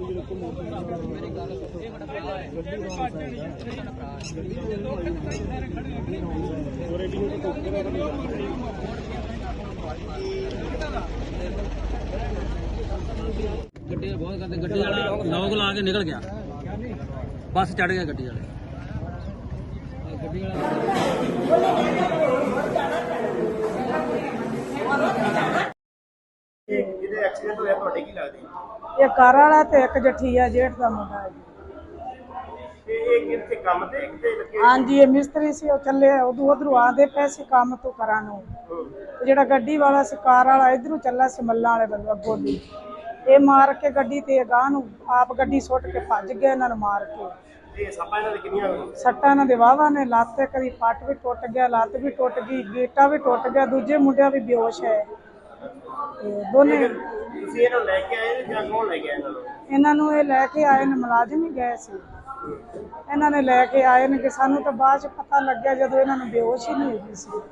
गड्डी बहुत करते गड्डी वाला लॉक ला के निकल गया बस चढ़ गया गड्डी वाले एक्सीडेंट होया ਤੁਹਾਡੇ ਕੀ ਲੱਗਦੀ ਇਹ ਘਰ ਵਾਲਾ ਤੇ ਇੱਕ ਜਠੀਆ ਜੇਠ ਦਾ ਮੁੰਡਾ ਹੈ ਜੀ। ਇਹ ਕਿੱਥੇ ਕੰਮ ਤੇ ਕਿਤੇ ਲੱਗੇ ਹਾਂਜੀ ਇਹ ਮਿਸਤਰੀ ਸੀ ਉਹ ਚੱਲੇ ਉਧਰੋਂ ਆਦੇ ਪਏ ਸੀ ਕੰਮ ਤੋਂ ਕਰਾਂ ਨੂੰ ਤੇ ਜਿਹੜਾ ਗੱਡੀ ਵਾਲਾ ਸੀ ਕਾਰ ਵਾਲਾ ਇਧਰੋਂ ਚੱਲਾ ਸੀ ਮੱਲਾਂ ਵਾਲੇ ਬੰਦੇ ਅੱਗੋਂ ਦੀ ਇਹ ਮਾਰ ਕੇ ਗੱਡੀ ਤੇ ਗਾਂ ਨੂੰ ਆਪ ਗੱਡੀ ਸੁੱਟ ਕੇ ਭੱਜ ਗਏ ਇਹਨਾਂ ਨੂੰ ਮਾਰ ਕੇ। ਇਹ ਸੱਪਾਂ ਇਹਨਾਂ ਦੇ ਕਿੰਨੀਆਂ ਸੱਟਾਂ ਇਹਨਾਂ ਦੇ ਵਾਹਵਾ ਨੇ ਲੱਤ ਤੇ ਕਦੀ ਪੱਟ ਵੀ ਟੁੱਟ ਗਿਆ ਲੱਤ ਵੀ ਟੁੱਟ ਗਈ ਗੇਟਾ ਵੀ ਟੁੱਟ ਗਿਆ ਦੂਜੇ ਮੁੰਡਿਆਂ ਵੀ ਬੇਹੋਸ਼ ਹੈ ਤੇ ਦੋਨੇ। ਤੁਸੀਂ ਇਹਨਾਂ ਲੈ ਕੇ ਆਏ ਜਾਂ ਕੌਣ ਲੈ ਗਿਆ ਇਹਨਾਂ ਨੂੰ ਇਹ ਲੈ ਕੇ ਆਏ ਨੇ ਮੁਲਾਜ਼ਮ ਹੀ ਗਏ ਸੀ ਇਹਨਾਂ ਨੇ ਲੈ ਕੇ ਆਏ ਨੇ ਕਿ ਸਾਨੂੰ ਤਾਂ ਬਾਅਦ ਚ ਪਤਾ ਲੱਗਿਆ ਜਦੋਂ ਇਹਨਾਂ ਨੂੰ ਬੇਹੋਸ਼ ਹੀ ਨਹੀਂ ਹੋਈ ਸੀ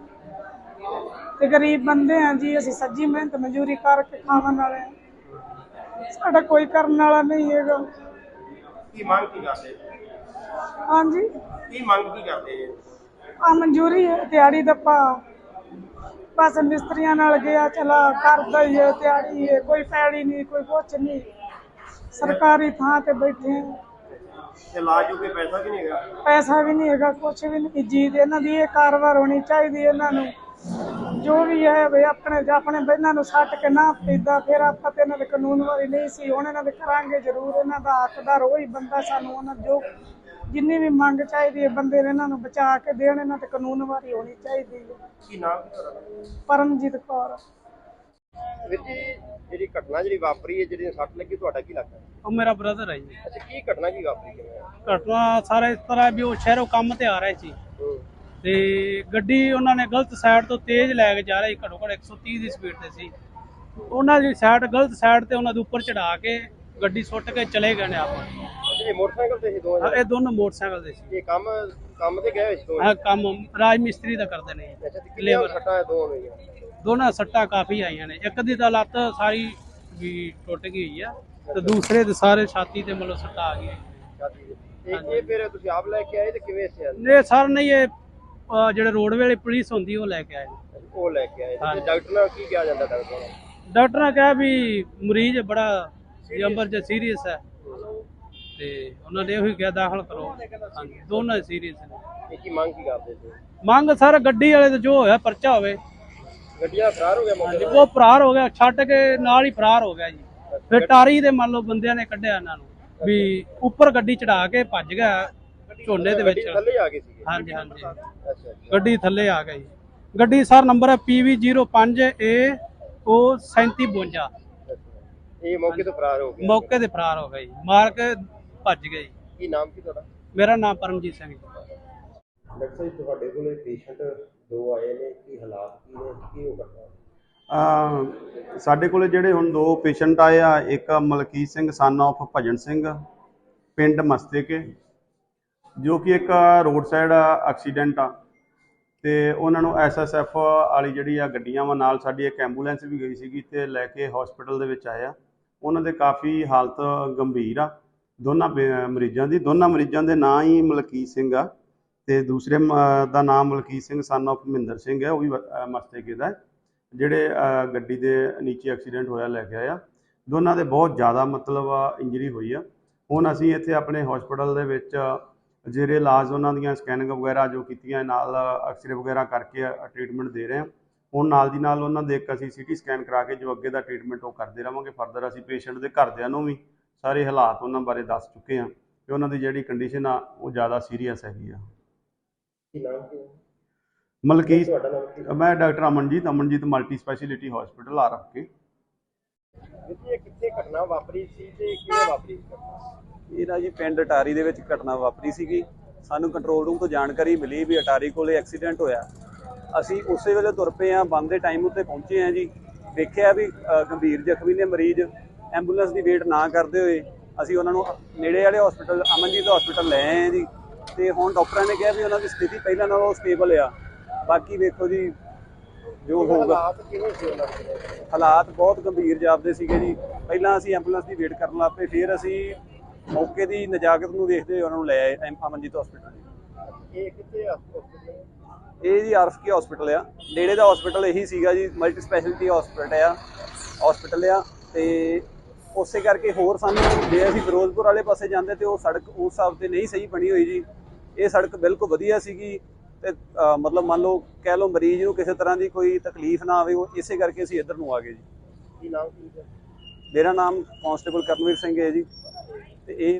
ਤੇ ਗਰੀਬ ਬੰਦੇ ਆ ਜੀ ਅਸੀਂ ਸੱਜੀ ਮਿਹਨਤ ਮਜ਼ਦੂਰੀ ਕਰਕੇ ਖਾਣ ਵਾਲੇ ਸਾਡਾ ਕੋਈ ਕਰਨ ਵਾਲਾ ਨਹੀਂ ਹੈਗਾ। ਕੀ ਮੰਗ ਕੀ ਕਰਦੇ ਹਾਂਜੀ ਕੀ ਮੰਗ ਕੀ ਕਰਦੇ ਆ ਮਨਜ਼ੂਰੀ ਹੈ ਦਿਹਾੜੀ ਦੱਪਾ ਬਸ ਮਿਸਤਰੀਆਂ ਨਾਲ ਗਿਆ ਚਲਾ ਕਰਦਾ ਹੀ ਹੈ ਦਿਹਾੜੀ ਹੈ ਕੋਈ ਪੈੜੀ ਨਹੀਂ ਕੋਈ ਕੁਛ ਨਹੀਂ ਸਰਕਾਰੀ ਥਾਂ ਤੇ ਬੈਠੇ ਇਲਾਜ ਕੋਈ ਪੈਸਾ ਵੀ ਨਹੀਂ ਹੈਗਾ ਪੈਸਾ ਵੀ ਨਹੀਂ ਹੈਗਾ ਕੁਛ ਵੀ ਨਹੀਂ ਜੀ ਇਹਨਾਂ ਦੀ ਇਹ ਕਾਰਵਾਈ ਹੋਣੀ ਚਾਹੀਦੀ ਇਹਨਾਂ ਨੂੰ ਜੋ ਵੀ ਹੈ ਵੀ ਆਪਣੇ ਇਹਨਾਂ ਨੂੰ ਸੱਟ ਕੇ ਨਾ ਪੈਦਾ ਫਿਰ ਆਪਾਂ ਤੇ ਇਹਨਾਂ ਦੇ ਕਾਨੂੰਨ ਵਾਲੀ ਨਹੀਂ ਸੀ ਹੁਣ ਇਹਨਾਂ ਦੇ ਕਰਾਂਗੇ ਜ਼ਰੂਰ ਇਹਨਾਂ ਦਾ ਹੱਕਦਾਰ ਉਹੀ ਬੰਦਾ ਸਾਨੂੰ ਉਹਨਾਂ ਜੋ ਜਿੰਨੀ ਵੀ ਮੰਗ ਚਾਹੀਦੀ ਹੈ ਬੰਦੇ ਨੇ ਇਹਨਾਂ ਨੂੰ ਬਚਾ ਕੇ ਦੇਣ ਇਹਨਾਂ ਤੇ ਕਾਨੂੰਨ ਵਾਲੀ ਹੋਣੀ ਚਾਹੀਦੀ ਹੈ। ਕੀ ਨਾਮ ਕੀ ਤੁਹਾਡਾ ਪਰਮਜੀਤ ਕੌਰ। ਵੀਰ ਜੀ ਜਿਹੜੀ ਘਟਨਾ ਜਿਹੜੀ ਵਾਪਰੀ ਹੈ ਜਿਹੜੀ ਸੱਟ ਲੱਗੀ ਤੁਹਾਡਾ ਕੀ ਲੱਗਦਾ ਉਹ ਮੇਰਾ ਬ੍ਰਦਰ ਹੈ ਜੀ। ਅੱਛਾ ਕੀ ਘਟਨਾ ਕੀ ਵਾਪਰੀ ਕਿਵੇਂ ਘਟਨਾ ਸਾਰਾ ਇਸ ਤਰ੍ਹਾਂ ਵੀ ਉਹ ਸ਼ਹਿਰੋਂ ਕੰਮ ਤੇ ਆ ਰਹੇ ਸੀ ਤੇ ਗੱਡੀ ਉਹਨਾਂ ਨੇ ਗਲਤ ਸਾਈਡ ਤੋਂ ਤੇਜ਼ ਲੈ ਕੇ ਜਾ ਰਹੀ ਘੱਟੋ ਘੱਟ 130 ਦੀ ਸਪੀਡ ਤੇ ਸੀ ਉਹਨਾਂ ਦੀ ਸਾਈਡ ਗਲਤ ਸਾਈਡ ਤੇ ਉਹਨਾਂ ਦੇ ਉੱਪਰ ਚੜਾ ਕੇ ਗੱਡੀ ਸੁੱਟ ਕੇ ਚਲੇ ਗਏ ਨੇ ਆਪਾਂ। ਇਹ ਮੋਟਰਸਾਈਕਲ ਤੇ ਸੀ ਦੋਵੇਂ ਇਹ ਦੋਨੋਂ ਮੋਟਰਸਾਈਕਲ ਦੇ ਸੀ। ਇਹ ਕੰਮ ਤੇ ਗਏ ਹੋਏ ਸੀ ਦੋਵੇਂ ਆਹ ਕੰਮ ਰਾਜ ਮਿਸਤਰੀ ਦਾ ਕਰਦੇ ਨੇ। ਅੱਛਾ ਤੇ ਕਿੰਨੀਆਂ ਸੱਟਾਂ ਹੈ ਦੋਵਾਂ ਨੂੰ ਦੋਨਾਂ ਸੱਟਾਂ ਕਾਫੀ ਆਈਆਂ ਨੇ ਇੱਕ ਦੀ ਤਾਂ ਲੱਤ ਸਾਰੀ ਵੀ ਟੁੱਟ ਗਈ ਹੋਈ ਆ ਤੇ ਦੂਸਰੇ ਦੇ ਸਾਰੇ ਛਾਤੀ ਤੇ ਮਤਲਬ ਸੱਟਾਂ ਆ ਗਈਆਂ। ਇਹ ਫਿਰ ਤੁਸੀਂ ਆਪ ਲੈ ਕੇ ਆਏ ਤੇ ਕਿਵੇਂ ਸਿਆ ਇਹ ਸਰ ਨਹੀਂ ਇਹ ਜਿਹੜੇ ਰੋਡਵੇਜ਼ ਵਾਲੀ ਪੁਲਿਸ ਹੁੰਦੀ ਉਹ ਲੈ ਕੇ ਆਏ ਉਹ ਲੈ ਕੇ ਆਏ ਤੇ ਡਾਕਟਰ ਨਾਲ ਕੀ ਕਿਹਾ ਜਾਂਦਾ ਡਾਕਟਰ ਨਾਲ ਡਾਕਟਰ ਨੇ ਕਿਹਾ ਵੀ ਮਰੀਜ਼ ਬੜਾ ਐਮਰਜੈਂਸੀ ਸੀਰੀਅਸ ਹੈ ਤੇ ਉਹਨਾਂ ਨੇ ਉਹੀ ਕਿਹਾ ਦਾਖਲ ਕਰੋ। ਹਾਂਜੀ ਦੋਨੋਂ ਸੀਰੀਅਸ ਨੇ। ਕੀ ਮੰਗ ਕੀ ਕਰਦੇ ਸੀ ਮੰਗ ਸਰ ਗੱਡੀ ਵਾਲੇ ਤੇ ਜੋ ਹੋਇਆ ਪਰਚਾ ਹੋਵੇ। ਗੱਡੀਆਂ ਫਰਾਰ ਹੋ ਗਿਆ ਮੌਕੇ ਉਹ ਫਰਾਰ ਹੋ ਗਿਆ ਛੱਡ ਕੇ ਨਾਲ ਹੀ ਫਰਾਰ ਹੋ ਗਿਆ ਜੀ। ਫਿਰ ਟਾਰੀ ਦੇ ਮੰਨ ਲਓ ਬੰਦਿਆਂ ਨੇ ਕੱਢਿਆ ਇਹਨਾਂ ਨੂੰ ਵੀ ਉੱਪਰ ਗੱਡੀ ਚੜਾ ਕੇ ਭੱਜ ਗਿਆ ਝੋਨੇ ਦੇ ਵਿੱਚ। ਥੱਲੇ ਆ ਗਏ ਸੀ ਹਾਂਜੀ ਹਾਂਜੀ ਅੱਛਾ ਗੱਡੀ ਥੱਲੇ ਆ ਗਈ। ਗੱਡੀ ਸਰ ਨੰਬਰ ਹੈ PV05A ਉਹ 3752। ਇਹ ਮੌਕੇ ਤੋਂ ਫਰਾਰ ਹੋ ਗਿਆ ਮੌਕੇ ਤੇ ਫਰਾਰ ਹੋ ਗਈ ਮਾਰ ਕੇ ਭੱਜ ਗਈ। ਕੀ ਨਾਮ ਕੀ ਤੁਹਾਡਾ ਮੇਰਾ ਨਾਮ ਪਰਮਜੀਤ ਸਿੰਘ ਜੀ। ਡਾਕਟਰ ਸਾਹਿਬ ਤੁਹਾਡੇ ਕੋਲ ਪੇਸ਼ੈਂਟ ਦੋ ਆਏ ਨੇ ਕੀ ਹਾਲਾਤ ਕੀ ਨੇ ਕੀ ਹੋ ਕਰਦਾ ਸਾਡੇ ਕੋਲ ਜਿਹੜੇ ਹੁਣ ਦੋ ਪੇਸ਼ੈਂਟ ਆਏ ਆ ਇੱਕ ਮਲਕੀਤ ਸਿੰਘ ਸਨ ਆਫ ਭਜਨ ਸਿੰਘ ਪਿੰਡ ਮਸਤੇਕੇ ਜੋ ਕਿ ਇੱਕ ਰੋਡ ਸਾਈਡ ਐਕਸੀਡੈਂਟ ਆ ਤੇ ਉਹਨਾਂ ਨੂੰ SSF ਵਾਲੀ ਜਿਹੜੀ ਆ ਗੱਡੀਆਂ ਵਾ ਨਾਲ ਸਾਡੀ ਇੱਕ ਐਂਬੂਲੈਂਸ ਵੀ ਗਈ ਸੀਗੀ ਤੇ ਲੈ ਕੇ ਹਸਪੀਟਲ ਦੇ ਵਿੱਚ ਆਏ ਆ। ਉਹਨਾਂ ਦੇ ਕਾਫੀ ਹਾਲਤ ਗੰਭੀਰ ਆ ਦੋਨਾਂ ਮਰੀਜ਼ਾਂ ਦੇ ਨਾਂ ਹੀ ਮਲਕੀਤ ਸਿੰਘ ਆ ਤੇ ਦੂਸਰੇ ਦਾ ਨਾਮ ਮਲਕੀਤ ਸਿੰਘ ਸਨ ਆਫ ਮਹਿੰਦਰ ਸਿੰਘ ਹੈ ਉਹ ਵੀ ਮਸਤੇਕੇ ਦਾ ਜਿਹੜੇ ਗੱਡੀ ਦੇ ਨੀਚੇ ਐਕਸੀਡੈਂਟ ਹੋਇਆ ਲੈ ਕੇ ਆਇਆ। ਦੋਨਾਂ ਦੇ ਬਹੁਤ ਜ਼ਿਆਦਾ ਮਤਲਬ ਇੰਜਰੀ ਹੋਈ ਆ। ਹੁਣ ਅਸੀਂ ਇੱਥੇ ਆਪਣੇ ਹਸਪੀਟਲ ਦੇ ਵਿੱਚ ਜਿਹੜੇ ਇਲਾਜ ਉਹਨਾਂ ਦੀਆਂ ਸਕੈਨਿੰਗ ਵਗੈਰਾ ਜੋ ਕੀਤੀਆਂ ਨਾਲ ਐਕਸਰੇ ਵਗੈਰਾ ਕਰਕੇ ਟ੍ਰੀਟਮੈਂਟ ਦੇ ਰਹੇ ਹਾਂ। ਹੁਣ ਨਾਲ ਦੀ ਨਾਲ ਉਹਨਾਂ ਦੇ ਇੱਕ ਅਸੀਂ CT ਸਕੈਨ ਕਰਾ ਕੇ ਜੋ ਅੱਗੇ ਦਾ ਟ੍ਰੀਟਮੈਂਟ ਉਹ ਕਰਦੇ ਰਹਾਂਗੇ। ਫਰਦਰ ਅਸੀਂ ਪੇਸ਼ੈਂਟ ਦੇ ਘਰਦਿਆਂ ਨੂੰ ਵੀ ਸਾਰੇ ਹਾਲਾਤ ਉਹਨਾਂ ਬਾਰੇ ਦੱਸ ਚੁੱਕੇ ਹਾਂ ਕਿ ਉਹਨਾਂ ਦੀ ਜਿਹੜੀ ਕੰਡੀਸ਼ਨ ਆ ਉਹ ਜ਼ਿਆਦਾ ਸੀਰੀਅਸ ਹੈਗੀ ਆ। ਮਲਕੀਤ ਮੈਂ doctor Amanjit multi speciality hospital ਆ ਰੱਖ ਕੇ। ਕਿੱਥੇ ਘਟਨਾ ਵਾਪਰੀ ਸੀ ਤੇ ਕਿਵੇਂ ਵਾਪਰੀ ਇਹ ਨਾ ਜੀ ਪਿੰਡ ਅਟਾਰੀ ਦੇ ਵਿੱਚ ਘਟਨਾ ਵਾਪਰੀ ਸੀਗੀ। ਸਾਨੂੰ ਕੰਟਰੋਲ ਰੂਮ ਤੋਂ ਜਾਣਕਾਰੀ ਮਿਲੀ ਵੀ ਅਟਾਰੀ ਕੋਲੇ ਐਕਸੀਡੈਂਟ ਹੋਇਆ। ਅਸੀਂ ਉਸੇ ਵੇਲੇ ਤੁਰ ਪਏ ਹਾਂ ਬੰਦ ਦੇ ਟਾਈਮ ਉੱਤੇ ਪਹੁੰਚੇ ਹਾਂ ਜੀ। ਦੇਖਿਆ ਵੀ ਗੰਭੀਰ ਜ਼ਖਮੀ ਨੇ ਮਰੀਜ਼ ਐਂਬੂਲੈਂਸ ਦੀ ਵੇਟ ਨਾ ਕਰਦੇ ਹੋਏ ਅਸੀਂ ਉਹਨਾਂ ਨੂੰ ਨੇੜੇ ਵਾਲੇ ਹਸਪੀਟਲ ਅਮਨਜੀਤ ਹਸਪੀਟਲ ਲੈ ਆਏ ਹਾਂ ਜੀ। ਤੇ ਹੁਣ ਡਾਕਟਰਾਂ ਨੇ ਕਿਹਾ ਵੀ ਉਹਨਾਂ ਦੀ ਸਥਿਤੀ ਪਹਿਲਾਂ ਨਾਲੋਂ ਸਟੇਬਲ ਆ। ਬਾਕੀ ਵੇਖੋ ਜੀ ਜੋ ਹੋਊਗਾ। ਹਾਲਾਤ ਕਿਵੇਂ ਸੀ ਉਹਨਾਂ ਦੇ? ਹਾਲਾਤ ਬਹੁਤ ਗੰਭੀਰ ਜਾਪਦੇ ਸੀਗੇ ਜੀ। ਪਹਿਲਾਂ ਅਸੀਂ ਐਂਬੂਲੈਂਸ ਦੀ ਵੇਟ ਕਰਨ ਲੱਗ ਪਏ, ਫਿਰ ਅਸੀਂ ਮੌਕੇ ਦੀ ਨਜਾਕਤ ਨੂੰ ਦੇਖਦੇ ਹੋਏ ਉਹਨਾਂ ਨੂੰ ਲੈ ਆਏ ਅਮਨਜੀਤ ਹਸਪੀਟਲ। ਇਹ ਕਿੱਥੇ ਆ hospital? ਇਹ ਜੀ ਆਰਫਕੇ ਹਸਪੀਟਲ ਆ, ਨੇੜੇ ਦਾ ਹਸਪੀਟਲ ਇਹੀ ਸੀਗਾ ਜੀ, ਮਲਟੀ ਸਪੈਸ਼ਲਿਟੀ ਹਸਪੀਟਲ ਆ। ਤੇ ਉਸੇ ਕਰਕੇ ਹੋਰ ਸਾਨੂੰ ਜੇ ਅਸੀਂ ਫਿਰੋਜ਼ਪੁਰ ਵਾਲੇ ਪਾਸੇ ਜਾਂਦੇ ਤੇ ਉਹ ਸੜਕ ਉਸ ਹਿਸਾਬ ਤੇ ਨਹੀਂ ਸਹੀ ਬਣੀ ਹੋਈ ਜੀ। ਇਹ ਸੜਕ ਬਿਲਕੁਲ ਵਧੀਆ ਸੀਗੀ ਤੇ ਮਤਲਬ ਮੰਨ ਲਓ ਕਹਿ ਲਓ ਮਰੀਜ਼ ਨੂੰ ਕਿਸੇ ਤਰ੍ਹਾਂ ਦੀ ਕੋਈ ਤਕਲੀਫ ਨਾ ਆਵੇ, ਉਹ ਇਸੇ ਕਰਕੇ ਅਸੀਂ ਇੱਧਰ ਨੂੰ ਆ ਗਏ ਜੀ। ਕੀ ਨਾਮ ਕੀ ਹੈ? ਮੇਰਾ ਨਾਮ ਕਾਂਸਟੇਬਲ ਕਰਨਵੀਰ ਸਿੰਘ ਹੈ ਜੀ। ਤੇ ਇਹ